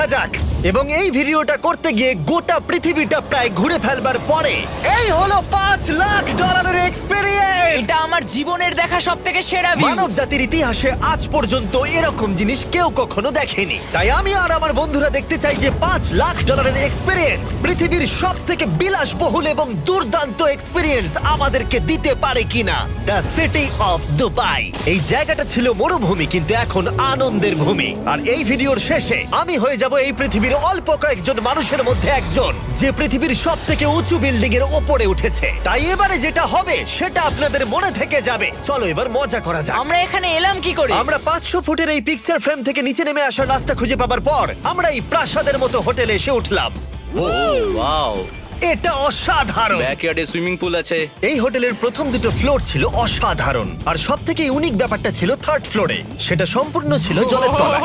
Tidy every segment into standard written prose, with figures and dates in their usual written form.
যাক। এবং এই ভিডিওটা করতে গিয়ে গোটা পৃথিবীটা প্রায় ঘুরে ফেলবার পরে এই হলো $5,00,000 এক্সপেরিয়েন্স। এটা আমার জীবনের দেখা সবথেকে সেরা ভিউ। মানব জাতির ইতিহাসে আজ পর্যন্ত এরকম জিনিস কেউ কখনো দেখেনি। তাই আমি আর আমার বন্ধুরা দেখতে চাই যে $5,00,000 এক্সপেরিয়েন্স পৃথিবীর সব থেকে বিলাসবহুল এবং দুর্দান্ত এক্সপেরিয়েন্স আমাদেরকে দিতে পারে কিনা। The city of Dubai. এই জায়গাটা ছিল মরুভূমি, কিন্তু এখন আনন্দের ভূমি। আর এই ভিডিওর শেষে আমি হয়ে যাব এই পৃথিবীর অল্প কয়েকজন মানুষের মধ্যে একজন, যে পৃথিবীর সব থেকে উঁচু বিল্ডিং এর ওপরে উঠেছে। তাই এবারে যেটা হবে সেটা আপনাদের মনে থেকে যাবে। চলো এবার মজা করা যাক। আমরা এখানে এলাম কি করে? আমরা 500 ফুটের এই পিকচার ফ্রেম থেকে নিচে নেমে আসার রাস্তা খুঁজে পাবার পর আমরা এই প্রাসাদের মতো হোটেলে এসে উঠলাম। ওয়াও, এটা অসাধারণ। ব্যাকইয়ার্ডে সুইমিং পুল আছে। এই হোটেলের প্রথম দুটো ফ্লোর ছিল অসাধারণ, আর সব থেকে ইউনিক ব্যাপারটা ছিল থার্ড ফ্লোরে। সেটা সম্পূর্ণ ছিল জলের তলায়।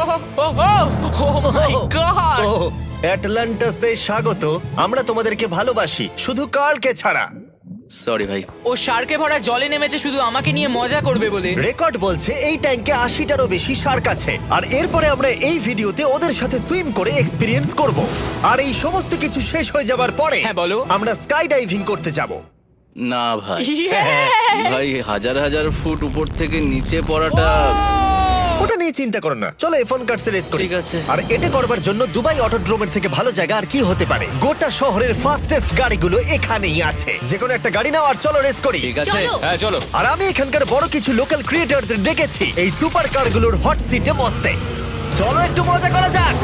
ও মাই গড! ও, অ্যাটলান্টাসে স্বাগত। আমরা তোমাদেরকে ভালোবাসি, শুধু কার্লকে ছাড়া। সরি ভাই। ও শার্কে ভরা জলে নেমেছে শুধু আমাকে নিয়ে মজা করবে বলে। রেকর্ড বলছে এই ট্যাঙ্কে 80টারও বেশি শার্ক আছে। আর এরপরে আমরা এই ভিডিওতে ওদের সাথে সুইম করে এক্সপিরিয়েন্স করব। আর এই সমস্ত কিছু শেষ হয়ে যাবার পরে হ্যাঁ, বলো। আমরা স্কাই ডাইভিং করতে যাব। না ভাই, Yeah! ভাই হাজার হাজার ফুট উপর থেকে নিচে পড়াটা। ওটা নিয়ে চিন্তা করো না, চলো ফোন কার্ডস রেস করি। ঠিক আছে। আর এটা করবার জন্য দুবাই অটোড্রোমের থেকে ভালো জায়গা আর কি হতে পারে। গোটা শহরের ফাস্টেস্ট গাড়িগুলো এখানেই আছে। যে কোনো একটা গাড়ি নাও আর চলো রেস করি। ঠিক আছে। হ্যাঁ চলো। আর আমি এখানকার বড় কিছু লোকাল ক্রিয়েটরদের ডেকেছি এই সুপার কারগুলোর হট সিটে বসতে। চলো একটু মজা করা যাক।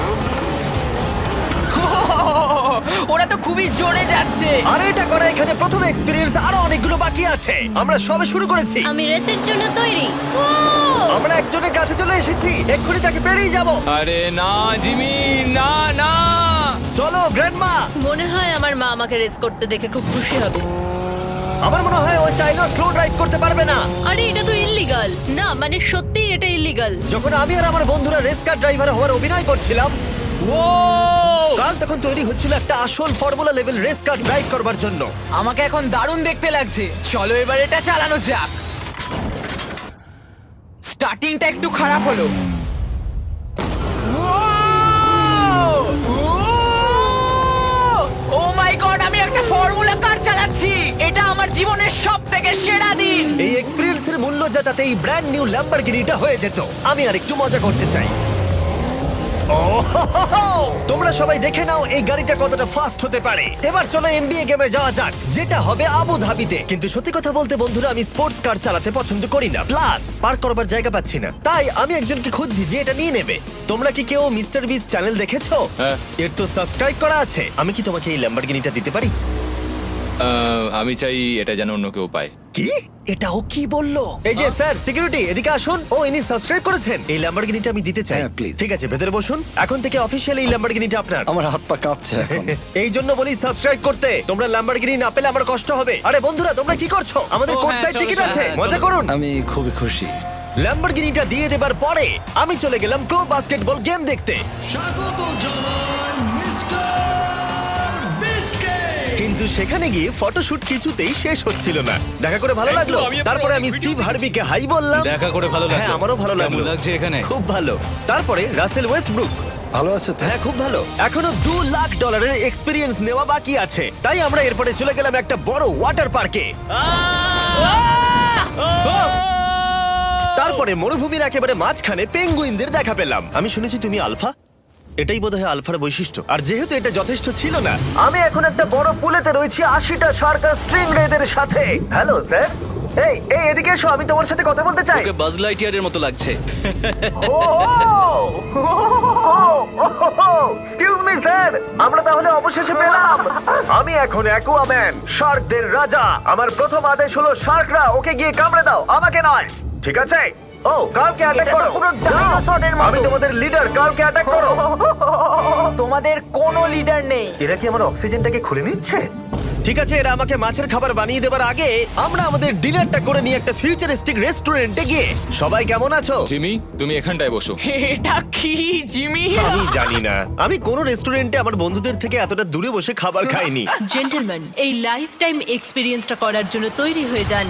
ওরা তো খুবই জোরে যাচ্ছে। আর এটা করা এখানে প্রথম এক্সপেরিয়েন্স, আরো অনেকগুলো বাকি আছে। আমরা সবে শুরু করেছি। আমি রেসের জন্য তৈরি। আমরা একজনের কাছে চলে এসেছি, এক্ষুনি তাকে পেরিয়ে যাব। আরে না জিমি, না না। চলো গ্র্যান্ডমা। মনে হয় আমার মা আমাকে রেস করতে দেখে খুব খুশি হবে। আমার মনে হয় ও চাইলেও স্লো ড্রাইভ করতে পারবে না। আরে এটা তো ইল্লিগাল। না মানে সত্যি এটা ইল্লিগাল। যখন আমি আর আমার বন্ধুরা রেস কার ড্রাইভার হওয়ার অভিনয় করছিলাম, ও কাল তখন তৈরি হচ্ছিল একটা আসল formula level race car drive করবার জন্য। আমাকে এখন দারুণ দেখতে লাগছে। চলো এবার এটা চালানো যাক। স্টার্টিংটা একটু খারাপ হলো। ও মাই গড, আমি একটা ফর্মুলা কার চালাচ্ছি। এটা আমার জীবনের সবথেকে সেরা দিন। এই এক্সপেরিয়েন্সের মূল্য যা, তাতে এই ব্র্যান্ড নিউ ল্যাম্বরগিনিটা হয়ে যেত। আমি আর একটু মজা করতে চাই। ওহোহোহো! তোমরা সবাই দেখে নাও এই গাড়িটা কতটা ফাস্ট হতে পারে। এবার চলো এমবিএ গেমে যাওয়া যাক, যেটা হবে আবু ধাবিতে। কিন্তু সত্যি কথা বলতে বন্ধুরা, আমি স্পোর্টস কার চালাতে পছন্দ করি না, প্লাস পার্ক করবার জায়গা পাচ্ছি না। তাই আমি একজনকে খুঁজছি যে এটা নিয়ে নেবে। তোমরা কি কেউ মিস্টার বিস চ্যানেল দেখেছো? হ্যাঁ। এর তো সাবস্ক্রাইব করা আছে। আমি কি তোমাকে এই ল্যাম্বরগিনিটা দিতে পারি? আমি চাই এটা যেন অন্য কেউ পায়। কি? এটা ও কি বললো? এই যে স্যার, সিকিউরিটি এদিকে আসুন। ও ইনি সাবস্ক্রাইব করেছেন। এই ল্যাম্বরগিনিটা আমি দিতে চাই। হ্যাঁ, please. ঠিক আছে, ভেতরে বসুন। এখন থেকে অফিশিয়ালি এই ল্যাম্বরগিনিটা আপনার। আমার হাত পা কাঁপছে এখন। এই জন্য বলি সাবস্ক্রাইব করতে। তোমরা ল্যাম্বরগিনি না পেলে আমার কষ্ট হবে। আরে বন্ধুরা, তোমরা কি করছো? আমাদের ও, কোর্ট হ্যাঁ, সাইড চলো, টিকিট চলো, আছে, হ্যাঁ, মজা চলো। করুন। আমি খুবই খুশি। ল্যাম্বরগিনিটা দিয়ে দেবার পরে আমি চলে গেলাম প্রো বাস্কেটবল গেম দেখতে। কিন্তু সেখানে গিয়ে ফটোশুট কিছুতেই শেষ হচ্ছিল না। দেখা করে ভালো লাগলো। তারপরে আমি স্টিভ হার্বিকে হাই বললাম। দেখা করে ভালো লাগলো। হ্যাঁ, আমারও ভালো কেমন লাগলো। লাগছে এখানে? খুব ভালো। তারপরে রাসেল ওয়েস্টব্রুক। ভালো আছে তো? হ্যাঁ, খুব ভালো। এখনো $2,00,000 এক্সপিরিয়েন্স নেওয়া বাকি আছে। তাই আমরা এরপরে চলে গেলাম একটা বড় ওয়াটার পার্কে। তারপরে মরুভূমির একেবারে মাঝখানে পেঙ্গুইনদের দেখা পেলাম। আমি শুনেছি তুমি আলফা। এটাই বোধহয় আলফার বৈশিষ্ট্য। আর যেহেতু এটা যথেষ্ট ছিল না, আমি এখন একটা বড় পুলেতে রয়েছি 80টা শার্ক আর স্ট্রিং রেদের সাথে। Hello sir. এই এই এদিকে এসো, আমি তোমার সাথে কথা বলতে চাই। ওকে বাজ লাইটইয়ারের মতো লাগছে। এক্সকিউজ মি স্যার, আমরা তাহলে অবশেষে পেলাম। আমি এখন অ্যাকুয়াম্যান, শার্কদের রাজা। আমার প্রথম আদেশ হলো শার্করা ওকে গিয়ে কামড়ে দাও, আমাকে নয়। ঠিক আছে? ও, কার্লকে অ্যাটাক করো। আমি তোমাদের লিডার, কার্লকে অ্যাটাক করো। তোমাদের কোনো লিডার নেই। এরা কি আমার অক্সিজেনটাকে খুলে নিচ্ছে? ঠিক আছে, এরা আমাকে মাছের খাবার বানিয়ে দেবার আগে আমরা আমাদের ডিনারটা করে নিয়ে একটা ফিউচারিস্টিক রেস্টুরেন্টে গিয়ে। সবাই কেমন আছো? জিমি, তুমি এখানটায় বসো। এটা কি জিমি? আমি জানি না, আমি কোন রেস্টুরেন্টে আমার বন্ধুদের থেকে এতটা দূরে বসে খাবার খাইনি। জেন্টলম্যান, এই লাইফ টাইম এক্সপিরিয়েন্সটা করার জন্য তৈরি হয়ে যান।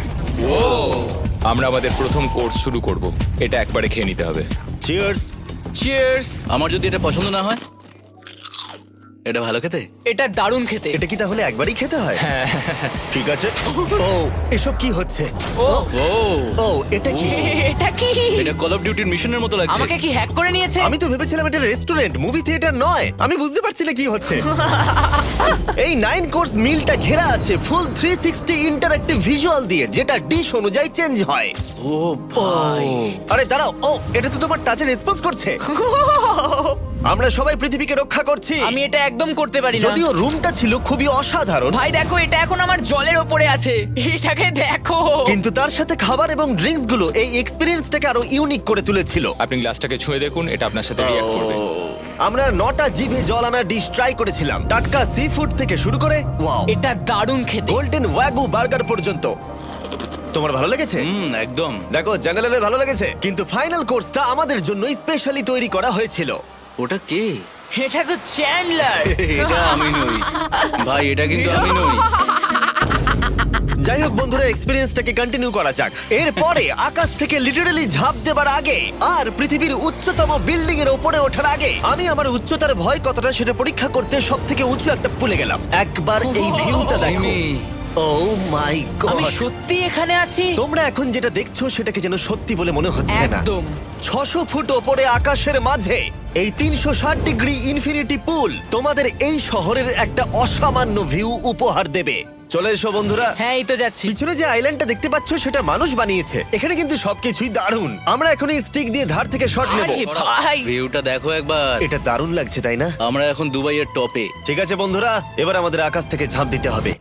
আমরা আমাদের প্রথম কোর্স শুরু করব। এটা একবারে খেয়ে নিতে হবে। চিয়ার্স। চিয়ার্স। আমার যদি এটা পছন্দ না হয়, এটা ভালো খেতে। এটা দারুণ খেতে। এটা কি তাহলে একবারই খেতে হয়? ঠিক আছে। ও, এসব কি হচ্ছে? ও ও, ও, এটা কি? এটা কি? এটা কল অফ ডিউটির মিশনের মতো লাগছে। আমাকে কি হ্যাক করে নিয়েছে? আমি তো ভেবেছিলাম এটা রেস্টুরেন্ট, মুভি থিয়েটার নয়। আমি বুঝতে পারছি না কি হচ্ছে। এই 9 কোর্স মিলটা ঘেরা আছে ফুল 360 ইন্টারঅ্যাক্টিভ ভিজুয়াল দিয়ে, যেটা ডিশ অনুযায়ী চেঞ্জ হয়। ও ভাই, আরে দাঁড়াও, ও এটা তো তোমার টাচে রেসপন্স করছে। আমরা সবাই পৃথিবীকে রক্ষা করছি। আমি এটা একদম করতে পারি না। যদিও রুমটা ছিল খুবই অসাধারণ, ভাই দেখো, এটা এখন আমার জলের ওপরে আছে। এটাকে দেখো। কিন্তু তার সাথে খাবার এবং ড্রিঙ্কস গুলো এই এক্সপেরিয়েন্সটাকে আরো ইউনিক করে তুলেছিল। আপনি গ্লাসটাকে ছুঁয়ে দেখুন, এটা আপনার সাথে রিঅ্যাক্ট করবে। আমরা 9টা জিভে জল আনা ডিশ ট্রাই করেছিলাম, টাটকা সি ফুড থেকে শুরু করে ওয়াও, এটা দারুণ খেতে। গোল্ডেন ওয়াগু বার্গার পর্যন্ত। তোমার ভালো লেগেছে? একদম। দেখো, জানালে ভালো লেগেছে, কিন্তু ফাইনাল কোর্সটা আমাদের জন্য স্পেশালি তৈরি করা হয়েছিল। ওটা কে? এটা তো চ্যান্ডলার। এটা আমি নই ভাই, এটা কিন্তু আমি নই। যাই হোক বন্ধুরা, এক্সপেরিয়েন্সটাকে কন্টিনিউ করা যাক। এরপরে আকাশ থেকে লিটারালি ঝাঁপ দেবার আগে আর পৃথিবীর উচ্চতম বিল্ডিং এর উপরে ওঠার আগে আমি আমার উচ্চতার ভয় কতটা সেটা পরীক্ষা করতে সব থেকে উঁচু একটা পুলে গেলাম। একবার এই ভিউটা দেখো। জিমি, ও মাই আমি গড! সত্যি এখানে আছি। তোমরা এখন যেটা দেখছো সেটাকে যেন সত্যি বলে মনে হচ্ছে না। একদম। 600 ফুট ওপরে আকাশের মাঝে এই 360 ডিগ্রি ইনফিনিটি পুল তোমাদের এই শহরের একটা অসামান্য ভিউ উপহার দেবে। চলে এসো বন্ধুরা। হ্যাঁ, এই তো যাচ্ছি। পিছনে যে আইল্যান্ডটা দেখতে পাচ্ছ সেটা মানুষ বানিয়েছে। এখানে কিন্তু সবকিছুই দারুণ। আমরা এখন এই স্টিক দিয়ে ধার থেকে শট নেব। আরে ভাই, ভিউটা দেখো একবার। এটা দারুণ লাগছে, তাই না? আমরা এখন দুবাইয়ের টপে। ঠিক আছে বন্ধুরা, এবার আমাদের আকাশ থেকে ঝাঁপ দিতে হবে।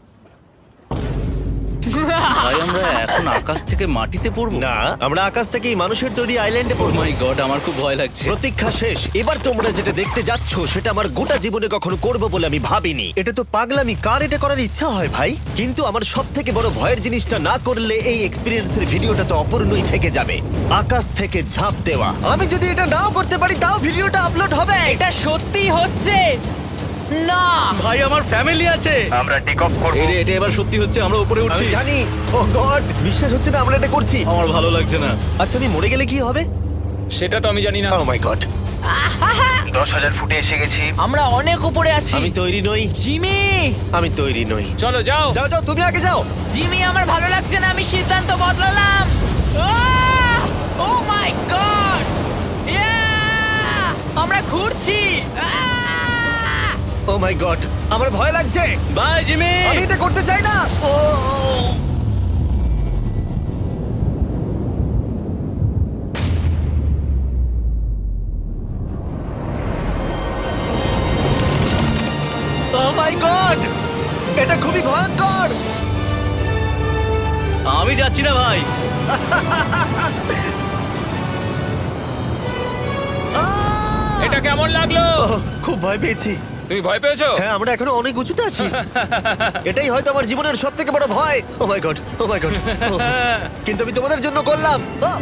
ভাই, আমরা এখন আকাশ থেকে মাটিতে পড়বো? না, আমরা আকাশ থেকে এই মানুষের তৈরি আইল্যান্ডে ও পড়বো। মাই গড, আমার খুব ভয় লাগছে। প্রতীক্ষা শেষ। এবার তোমরা যেটা দেখতে যাচ্ছ সেটা আমার গোটা জীবনে কখনো করবো বলে আমি ভাবিনি। এটা তো পাগলামি, কার এটা করার ইচ্ছা হয় ভাই? কিন্তু আমার সব থেকে বড় ভয়ের জিনিসটা না করলে এই এক্সপিরিয়েন্সের ভিডিওটা তো অপূর্ণই থেকে যাবে। আকাশ থেকে ঝাঁপ দেওয়া। আমি যদি এটা নাও করতে পারি তাও ভিডিওটা আপলোড হবে। এটা সত্যি হচ্ছে না। ভাই, আমার ফ্যামিলি আছে। আমরা টেক অফ করব। এটা এবার সত্যি হচ্ছে, আমরা উপরে আমি উঠছি। জানি। ও গড, বিশ্বাস হচ্ছে না আমরা এটা করছি। আমার ভালো লাগছে না। আচ্ছা, আমি মরে গেলে কি হবে? সেটা তো আমি জানি না। ও মাই গড, 10,000 ফুটে এসে গেছি। আমরা অনেক উপরে আছি। আমি তৈরি নই, জিমি, আমি তৈরি নই। চলো যাও। যাও যাও, তুমি আগে যাও। জিমি, আমার ভালো লাগছে না। আমি সিদ্ধান্ত বদলালাম। ও মাই গড! আমরা ঘুরছি। ও মাই গড, আমার ভয় লাগছে। Bye Jimmy. আমি এটা করতে চাই না। ও মাই গড, এটা খুবই ভয়ঙ্কর। আমি যাচ্ছি না ভাই। এটা কেমন লাগলো? খুব ভয় পেয়েছি। তুমি ভয় পেয়েছো? হ্যাঁ, আমরা এখনো অনেক উঁচুতে আছি। এটাই হয়তো আমার জীবনের সব থেকে বড় ভয়। Oh my God, oh my God. কিন্তু আমি তোমাদের জন্য করলাম।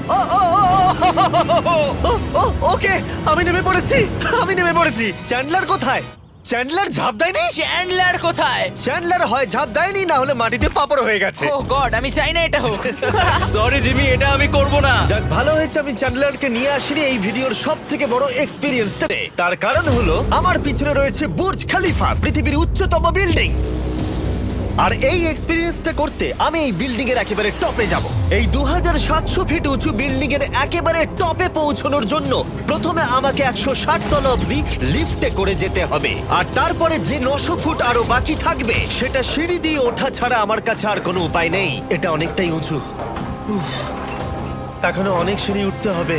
ওকে, আমি নেমে পড়েছি, আমি নেমে পড়েছি। চ্যান্ডলার কোথায়? চ্যান্ডলার ঝাঁপ দেয়নি? চ্যান্ডলার কোথায়? চ্যান্ডলার হয় ঝাঁপ দেয়নি, না হলে মাটিতে পাপড় হয়ে গেছে। ও গড, আমি চাই না এটা হোক। সরি জিমি, এটা আমি করব না। যাক, ভালো হয়েছে আমি চ্যান্ডলারকে নিয়ে আসিনি এই ভিডিওর সব থেকে বড় এক্সপিরিয়েন্সটাতে। তার কারণ হলো আমার পিছনে রয়েছে বুর্জ খলিফা, পৃথিবীর উচ্চতম বিল্ডিং। আর এই এক্সপিরিয়েন্সটা করতে আমি এই বিল্ডিং এর একেবারে টপে যাব। এই 2700 ফিট উঁচু বিল্ডিং এর একেবারে টপে পৌঁছানোর জন্য প্রথমে আমাকে 160 তলা অব্দি লিফটে করে যেতে হবে, আর তারপরে যে 900 ফুট আরো বাকি থাকবে সেটা সিঁড়ি দিয়ে ওঠা ছাড়া আমার কাছে আর কোনো উপায় নেই। এটা অনেকটাই উঁচু। উফ, এখনো অনেক সিঁড়ি উঠতে হবে।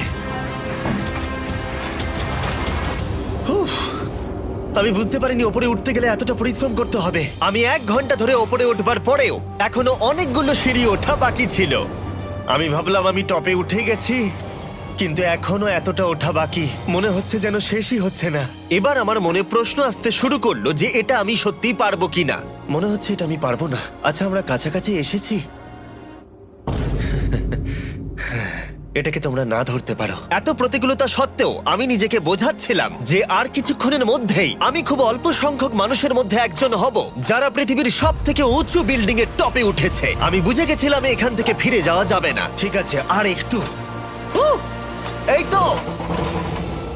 উফ, আমি বুঝতে পারিনি ওপরে উঠতে গেলে এতটা পরিশ্রম করতে হবে। আমি 1 ঘন্টা ধরে ওপরে উঠবার পরেও এখনো অনেকগুলো সিঁড়ি ওঠা বাকি ছিল। আমি ভাবলাম আমি টপে উঠে গেছি, কিন্তু এখনো এতটা ওঠা বাকি। মনে হচ্ছে যেন শেষই হচ্ছে না। এবার আমার মনে প্রশ্ন আসতে শুরু করলো যে এটা আমি সত্যিই পারবো কিনা। মনে হচ্ছে এটা আমি পারবো না। আচ্ছা, আমরা কাছাকাছি এসেছি। এটাকে তোমরা না ধরতে পারো। এত প্রতিকূলতা সত্ত্বেও আমি নিজেকে বোঝাচ্ছিলাম যে আর কিছুক্ষণের মধ্যেই আমি খুব অল্প সংখ্যক মানুষের মধ্যে একজন হব যারা পৃথিবীর সব থেকে উঁচু বিল্ডিং এর টপে উঠেছে। আমি বুঝে গেছিলাম এখান থেকে ফিরে যাওয়া যাবে না। ঠিক আছে, আর একটু। উহ, এই তো।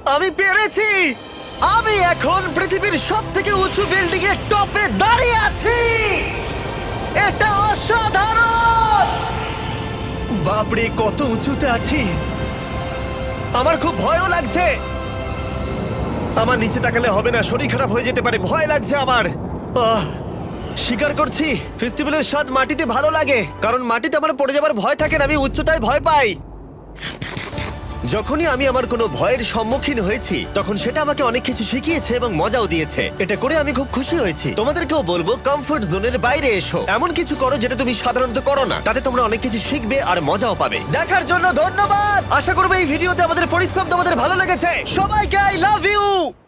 আমি পেরেছি! আমি এখন পৃথিবীর সব থেকে উঁচু বিল্ডিং এর টপে দাঁড়িয়ে আছি! এটা অসাধারণ! বাপরে, কত উঁচুতে আছি! আমার খুব ভয়ও লাগছে। আমার নিচে তাকালে হবে না, শরীর খারাপ হয়ে যেতে পারে, ভয় লাগছে আমার। স্বীকার করছি, ফেস্টিভ্যালের স্বাদ মাটিতে ভালো লাগে, কারণ মাটিতে আমার পড়ে যাবার ভয় থাকে না, আমি উচ্চতায় ভয় পাই। যখনই আমি আমার কোনো ভয়ের সম্মুখীন হয়েছি তখন সেটা আমাকে অনেক কিছু শিখিয়েছে এবং মজাও দিয়েছে। এটা করে আমি খুব খুশি হয়েছি। তোমাদেরকেও বলবো, কমফোর্ট জোনের বাইরে এসো, এমন কিছু করো যেটা তুমি সাধারণত করো না, তাতে তোমরা অনেক কিছু শিখবে আর মজাও পাবে। দেখার জন্য ধন্যবাদ। আশা করবো এই ভিডিওতে আমাদের পরিশ্রম তোমাদের ভালো লেগেছে। সবাইকে আই লাভ ইউ।